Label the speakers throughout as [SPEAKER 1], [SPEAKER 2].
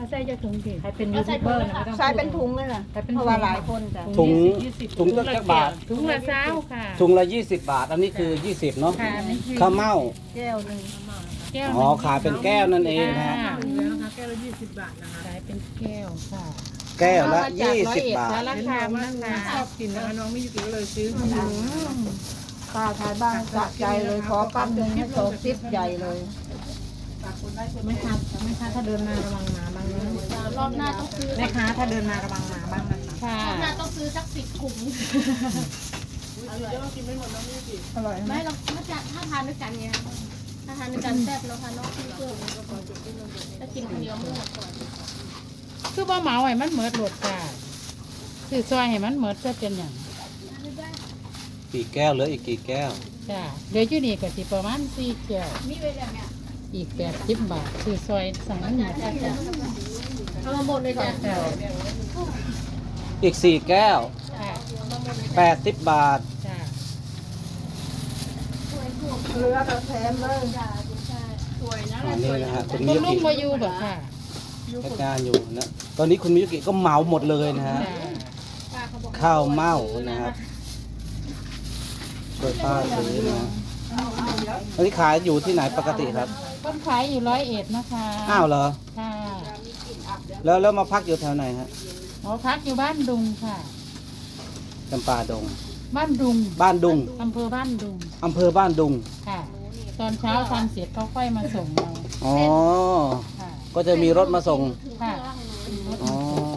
[SPEAKER 1] เขาใส่จะถุงกี่
[SPEAKER 2] ใครเป็นยูทูบเบอร์นะไม่ต้อง
[SPEAKER 3] ใช้เป็นถุงเลยล่ะเพราะว่าหลายคนจ้ะ
[SPEAKER 4] ถุงจักบาท
[SPEAKER 1] ถุงละเช้าค่ะ
[SPEAKER 4] ถุงละ20 บาท อันนี้คือ20เนาะ
[SPEAKER 1] ค่ะนี่คือ
[SPEAKER 4] ข้าวเม่า
[SPEAKER 3] แก้วหนึ่ง
[SPEAKER 1] แก้ว
[SPEAKER 4] อ๋อขายเป็นแก้วนั่นเองนะฮะ
[SPEAKER 1] ค่ะ
[SPEAKER 2] แล้วนะคะแก้วละ20 บาทนะคะ
[SPEAKER 1] ขายเป็นแก้วค่ะ
[SPEAKER 4] แก้วละ
[SPEAKER 1] เอมจก
[SPEAKER 4] 20 บาท
[SPEAKER 1] ร้อยเอ็ดสาร
[SPEAKER 2] เห็น
[SPEAKER 1] คา
[SPEAKER 2] บอก
[SPEAKER 1] ม
[SPEAKER 2] ว่า
[SPEAKER 1] นะคะ
[SPEAKER 2] ชอบกินนะคะน้องไม่ยุติก็เลยซื้อ
[SPEAKER 3] ป้าขายบ้านสะใจเลยขอปั๊บหนึ่งให้โตซิปใหญ่เลย
[SPEAKER 2] ไม่ค้าถ้าเดินมาระวังหมาบ้างนะ
[SPEAKER 5] รอบหน้าต้องซื้อ
[SPEAKER 2] แม่ค้าถ้าเดินมาระวังหมาบ้างนะคะ
[SPEAKER 1] ค่ะ
[SPEAKER 5] รอบหน้าต้องซื้อสัก10 ถุง
[SPEAKER 3] อร่อยไหม
[SPEAKER 5] ไม่เราถ้าทานด้วยกันไงถ้าทานด้วยกันแซ่บแล้วค่ะนอกที่เพิ่มถ้ากินคนเดียวไม่หมดก่อน
[SPEAKER 1] คือบ่เหมาให้มันเหมิดโหลดจ้าคือซอยให้มันเหมิดจะเป็นอย่าง
[SPEAKER 4] กี่แก้วเหลืออีกกี่แก้ว
[SPEAKER 1] จ้าเดี๋ยวอยู่นี่ก็สิประมาณ4แก้ว
[SPEAKER 5] มีไว้แบบเนี้ย
[SPEAKER 1] อีก80 บาทคือซอยสั่งมันหมด
[SPEAKER 5] จ้ะเอามาหมดเลยจ้ะ
[SPEAKER 1] ค่ะ
[SPEAKER 4] อีก4แก้ว
[SPEAKER 1] ค่ะ
[SPEAKER 4] 80 บาท
[SPEAKER 1] จ้า
[SPEAKER 3] เรือเราแถมเลย
[SPEAKER 5] สวยนะ
[SPEAKER 4] อันนี้นะฮะคุณ
[SPEAKER 1] คุ
[SPEAKER 4] มิ
[SPEAKER 1] ณ
[SPEAKER 4] ยุ
[SPEAKER 1] ลุ
[SPEAKER 4] กิ
[SPEAKER 1] งมาอยู่บ่ค่ะ
[SPEAKER 4] จัดการอยู่นะ ตอนนี้คุณมิยุกิก็เหมาหมดเลยนะฮะ
[SPEAKER 1] จ้า
[SPEAKER 5] ป้าเขาบอก
[SPEAKER 4] ข้าวเม่านะครับ ช่วยป้าซื้อนะอันนี้ขายอยู่ที่ไหนปกติครับ
[SPEAKER 1] ต้นขายอยู่101นะคะ
[SPEAKER 4] อ้าวเหรอ
[SPEAKER 1] ค่ะ
[SPEAKER 4] แล้วมาพักอยู่แถวไหนฮะ
[SPEAKER 1] หมอพักอยู่บ้านดุงค่ะ
[SPEAKER 4] จำปาดง
[SPEAKER 1] บ้านดุง
[SPEAKER 4] บ้านดุง
[SPEAKER 1] อำเภอบ้านดุง
[SPEAKER 4] อำเภอบ้านดุง
[SPEAKER 1] ค่ะ ตอนเช้าทำเสร็จเขาค่อยมาส่งเรา
[SPEAKER 4] อ๋อ
[SPEAKER 1] ค่ะ
[SPEAKER 4] ก็จะมีรถมาส่ง
[SPEAKER 1] ค่ะ
[SPEAKER 4] อ๋อ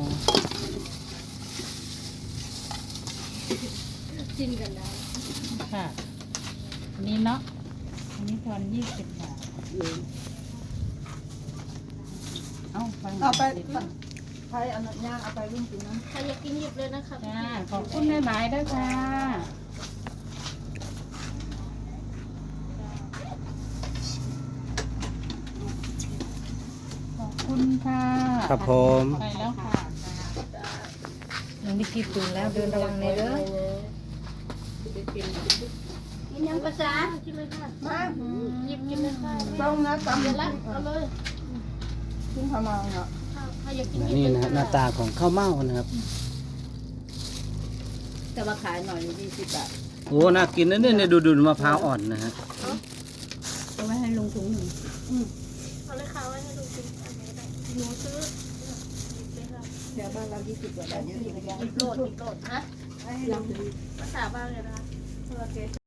[SPEAKER 5] กินกันได้
[SPEAKER 1] ค่ะ อันนี้เนาะ อันนี้ทอน20 บาท เอาไป
[SPEAKER 3] เอาไปใช้อันนั้นย่างเอาไปรุ่นกินนะ
[SPEAKER 5] ใครอยากกินหยิบเลยนะคะ
[SPEAKER 1] จ้า ขอบคุณหลายๆด้วยค่ะ ขอบคุณค่ะ
[SPEAKER 4] ครับผม
[SPEAKER 1] ไปแล้วค่ะ
[SPEAKER 2] น้องดิกิตื่นแล้วเดินระวังในเด้อ
[SPEAKER 5] กินยังภาษากินเลยค่ะ
[SPEAKER 3] มา
[SPEAKER 5] หยิบกินเลยค่ะ
[SPEAKER 3] ต้องนะตำ
[SPEAKER 5] เดี๋ยวละเอาเลย
[SPEAKER 3] กินพะมังเนาะ
[SPEAKER 5] ใครอยากกินหยิบ
[SPEAKER 4] นี่
[SPEAKER 5] เลย
[SPEAKER 4] นะฮะหน้าตาของข้าวเม่านะครับ
[SPEAKER 3] จะมาขายหน่อย20 บาท
[SPEAKER 4] โอ้ น่ากินนะเนี่ยดูมะพร้าวอ่อนนะฮะ
[SPEAKER 3] เอาไว้ให้ลุงถุงหนึ่ง
[SPEAKER 5] เอาเลยค่ะไว้ให้ดูกินอันนี้ได้หนูซื้อหยิบเลยค่ะ
[SPEAKER 3] แถวบ้านเรา20 กว่าบาทเยอะอยู่
[SPEAKER 5] หยิบโหลดนะ
[SPEAKER 3] ให้ลุง
[SPEAKER 5] ภาษาบ้านเลยนะคะ